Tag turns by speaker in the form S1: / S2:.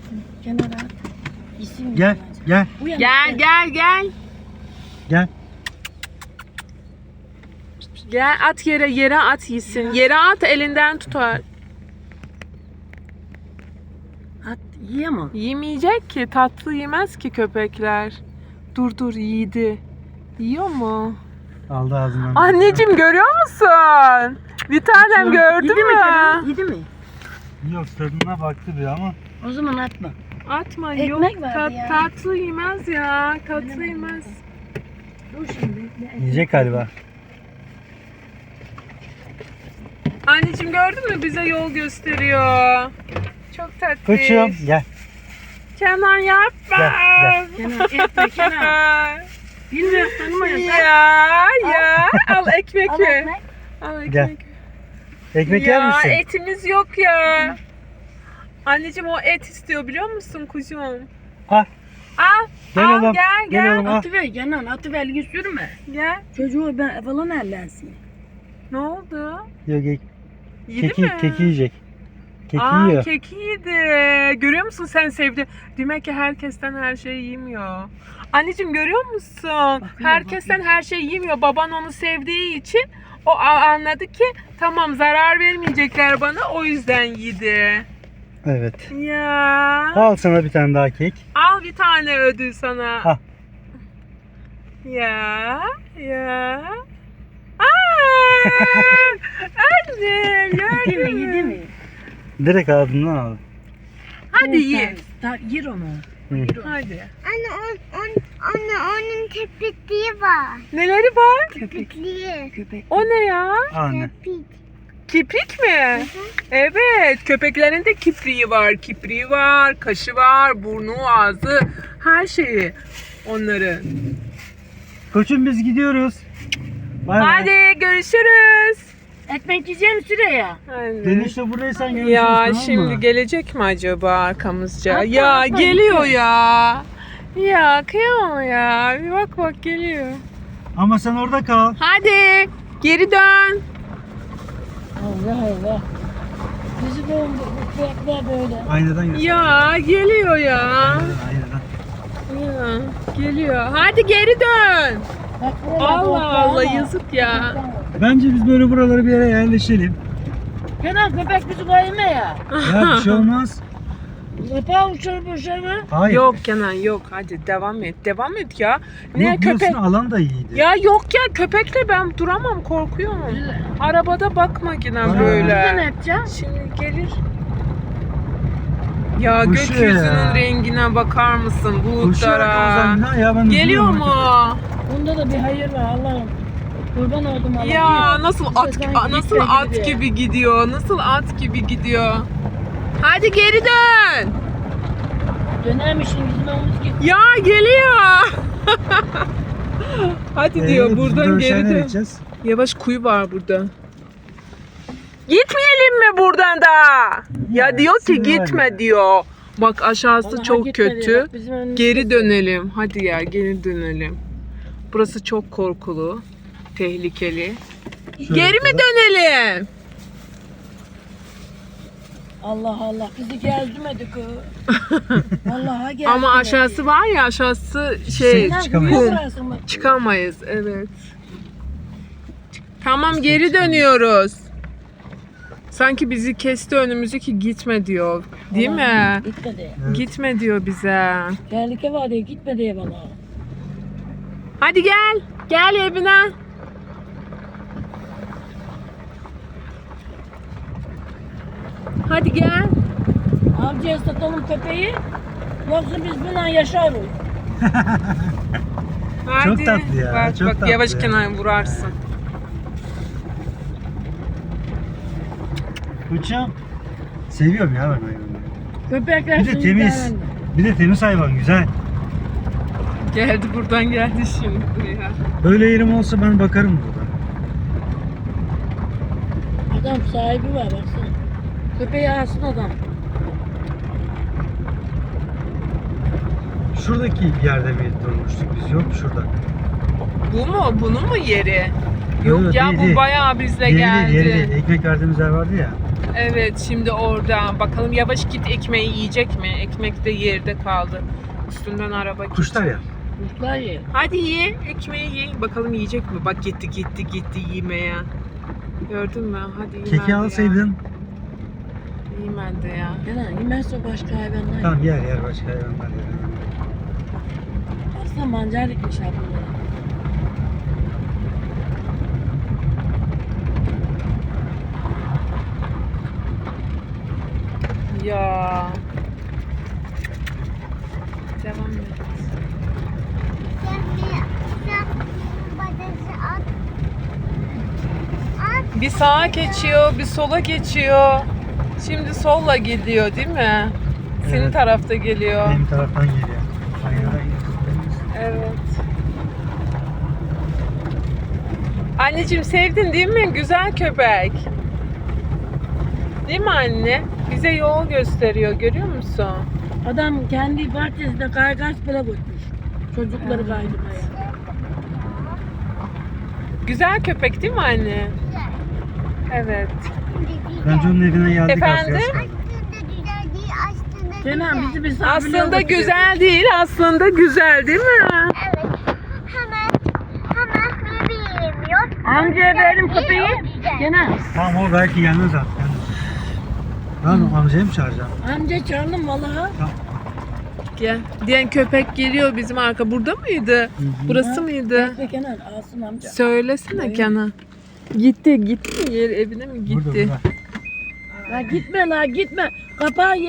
S1: Kenara at. İsim
S2: Gel, gel,
S3: Gel.
S2: gel.
S3: Gel at yere at yesin. Yere at elinden tutar.
S1: At yiyor mu?
S3: Yemeyecek ki, tatlı yemez ki köpekler. Dur yedi. Yiyor mu?
S2: Aldı ağzından.
S3: Anneciğim görüyor musun? Bir tanem gördün
S1: Yedi mi
S3: mü?
S1: canım? Yedi mi?
S2: Yok, tadına baktı bir ama.
S1: O zaman atma.
S3: Atma
S1: Ekmek
S3: yok.
S1: vardı ya.
S3: Tatlı yemez ya. Tatlı yemez.
S1: Dur şimdi bekle.
S2: Yiyecek galiba.
S3: Anneciğim gördün mü? Bize yol gösteriyor. Çok tatlı.
S2: Koçum gel.
S3: Kenan yapma.
S2: Gel,
S1: Kenar etme kenar. Bilmiyorum tanımıyorsun.
S3: Ya. Al ekmek
S1: Al
S3: ver.
S1: ekmek.
S3: Al ekmek.
S2: Gel. Ekmek yer
S3: Ya
S2: misin?
S3: etimiz yok ya. Anneciğim o et istiyor biliyor musun kuzum?
S2: Al.
S3: Al.
S2: Gel
S3: al
S2: oğlum,
S3: gel
S2: gel
S3: gel.
S2: oğlum. Al.
S1: Atıver Kenan atıver elini sürme.
S3: Gel.
S1: Çocuğu ben falan ellensin.
S3: Ne oldu?
S2: Yok,
S3: Yedi
S2: keki,
S3: mi?
S2: keki yiyecek. Keki
S3: Aa,
S2: yiyor.
S3: keki yedi. Görüyor musun sen sevdi. Demek ki herkesten her şeyi yemiyor. Anneciğim görüyor musun? Herkesten her şeyi yemiyor. Baban onu sevdiği için o anladı ki tamam zarar vermeyecekler bana o yüzden yedi.
S2: Evet.
S3: Ya.
S2: Al sana bir tane daha kek.
S3: Al bir tane ödül sana.
S2: Al.
S3: Ya. Aa! Annem
S1: Yedi
S3: gördün
S1: mi
S3: mü?
S1: yedi mi?
S2: Direkt ağzından al.
S3: Hadi ye.
S1: Yer onu.
S2: Hı.
S3: Hadi.
S4: Anne onun köpekliği var.
S3: Neleri var?
S4: Köpekliği.
S1: Köpek.
S3: O ne ya?
S2: Anne.
S4: Köpek.
S3: Kiprik mi? Evet. Köpeklerin de kipriği var. Kipriği var, kaşı var, burnu, ağzı, her şeyi. Onların.
S2: Koçum biz gidiyoruz. Bay bay.
S3: Hadi görüşürüz.
S1: Ekmek yiyeceğim Süreyya.
S3: Anne.
S2: Dönüşte buradaysan görüşürüz,
S3: Ya
S2: tamam mı?
S3: şimdi gelecek mi acaba arkamızca?
S1: Atla,
S3: ya
S1: atla,
S3: geliyor
S1: gidiyor.
S3: ya. Ya kıyamam ya. Bir bak geliyor.
S2: Ama sen orada kal.
S3: Hadi geri dön.
S1: Allah Allah. Bizi de bekler böyle.
S2: Aynadan göster.
S3: Ya geliyor ya.
S2: Aynadan.
S3: Ya, geliyor. Hadi geri dön.
S1: Bak, buralar
S3: Allah
S1: toplar
S3: Allah
S1: ama.
S3: yazık ya.
S2: Bence biz böyle buralara bir yere yerleşelim.
S1: Kenan köpek bizi koyma ya.
S2: Ya bir şey olmaz.
S1: Yapağı uçurup uçurma.
S2: Hayır.
S3: Yok Kenan yok. Hadi devam et. Devam et ya. Ne
S2: Yok,
S3: köpek?
S2: biliyorsun, alan da iyiydi.
S3: Ya yok ya köpekle ben duramam korkuyorum. Arabada bakma yine
S2: Aa.
S1: Biz de ne
S3: böyle.
S1: yapacağız?
S3: Şimdi gelir. Ya
S2: Kuşu
S3: gökyüzünün
S2: ya.
S3: rengine bakar mısın
S2: Koşarak
S3: bulutlara?
S2: uzaktan ya ben
S3: Geliyor
S2: üzülüyorum.
S3: mu?
S1: Bunda da bir hayır var Allah'ım. Kurban oldum Allah'ım.
S3: Ya nasıl at
S1: sanki
S3: nasıl
S1: gitme
S3: at
S1: gibi.
S3: gibi gidiyor? Nasıl at gibi gidiyor? Hadi geri dön.
S1: Dönermişsin bizim omuz git.
S3: Ya geliyor. Hadi diyor
S2: Biz
S3: buradan
S2: buradan
S3: geri
S2: nereye
S3: dön.
S2: gideceğiz?
S3: Yavaş kuyu var burada. Gitmeyelim mi buradan da? Ya diyor ki
S2: sinir var
S3: gitme
S2: ya.
S3: diyor. Bak aşağısı
S1: Vallahi
S3: çok
S1: gitme
S3: kötü.
S1: diyor. Bak bizim önümüzde-
S3: Geri dönelim. Hadi ya geri dönelim. Burası çok korkulu. Tehlikeli.
S2: Şöyle
S3: Geri mi
S2: yapalım.
S3: dönelim?
S1: Allah Allah bizi gezdirmedi kız. Vallahi gezdirmedi.
S3: Ama aşağısı var ya aşağısı şey
S1: Kenan,
S2: çıkamayız.
S1: buraya
S3: kum.
S1: bıraksın bak.
S3: Çıkamayız evet. Tamam geri dönüyoruz. Sanki bizi kesti önümüzü ki gitme diyor. Değil mi?
S1: Gitmedi.
S2: Evet.
S3: Gitme diyor bize.
S1: Tehlike var diye gitme diye bana.
S3: Hadi gel. Gel evine. Hadi gel.
S1: Avcıya satalım köpeği. Yoksa biz bununla yaşarız.
S3: Hadi.
S2: Çok tatlı ya,
S3: Bak,
S2: çok
S3: bak
S2: tatlı
S3: yavaş
S2: ya.
S3: kenara vurarsın.
S2: Koçum. Seviyorum ya ben hayvanları.
S1: Köpekler
S2: Bir de
S1: seni
S2: temiz.
S1: sever.
S2: Bir de temiz hayvan, güzel.
S3: Geldi buradan geldi şimdi buraya.
S2: Böyle yerim olsa ben bakarım burada.
S1: Adam sahibi var baksana. Köpeği alsın adam.
S2: Şuradaki yerde mi durmuştuk biz? Yok şurada.
S3: Bu mu? Bunun mu yeri? Yok
S2: Yok,
S3: ya
S2: değil,
S3: bu
S2: değil.
S3: bayağı bizle
S2: Yeri
S3: geldi.
S2: değil, yeri değil. Ekmek verdiğimiz yer vardı ya.
S3: Evet, şimdi orada. Bakalım yavaş git, ekmeği yiyecek mi? Ekmek de yerde kaldı. Üstünden araba gitti.
S2: Kuşlar ya.
S1: Kuşlar ye.
S3: Hadi ye, ekmeği ye. Bakalım yiyecek mi? Bak gitti yemeye. Gördün mü? Hadi yemedi
S2: Keki
S3: ya.
S2: alsaydın.
S3: Yemedi ya.
S1: Kenan yemezse başka hayvanlar.
S2: Tamam yer başka hayvanlar yer.
S1: Aslında mancar dikmiş abla.
S3: Ya. Devam et.
S4: Sen badesi at. At.
S3: Bir sağa geçiyor, bir sola geçiyor. Şimdi solla gidiyor değil mi? Senin
S2: Evet.
S3: tarafta geliyor.
S2: Benim taraftan geliyor.
S3: Evet. Anneciğim sevdin değil mi? Güzel köpek. Değil mi anne? Bize yol gösteriyor, görüyor musun?
S1: Adam kendi bahçesinde kaygaç bile koymuş. Çocukları kaydırmaya.
S3: Güzel köpek değil mi anne? Evet.
S2: Bence onun evine geldik.
S3: Efendim?
S2: Aslında.
S4: Aslında güzel değil, aslında
S1: Kenan
S4: güzel.
S1: bizi misafirliğe
S3: Aslında
S1: götürüyor.
S3: güzel değil, aslında güzel değil mi?
S4: Evet. Hemen bebeğim yok.
S1: Amcaya verelim köpeği.
S4: Güzel.
S1: Kenan
S2: Tamam o belki gelmez artık. Tamam amcayı mı çağıracağım?
S1: amca çağırdım vallahi.
S3: Gel. Diyen köpek geliyor bizim arka. Burada mıydı? Burası mıydı?
S1: Bekle Kenan alsın amca.
S3: Söylesene Kenan. Gitti mi? Evine mi gitti?
S2: Burada.
S1: La gitme la gitme. Kapağı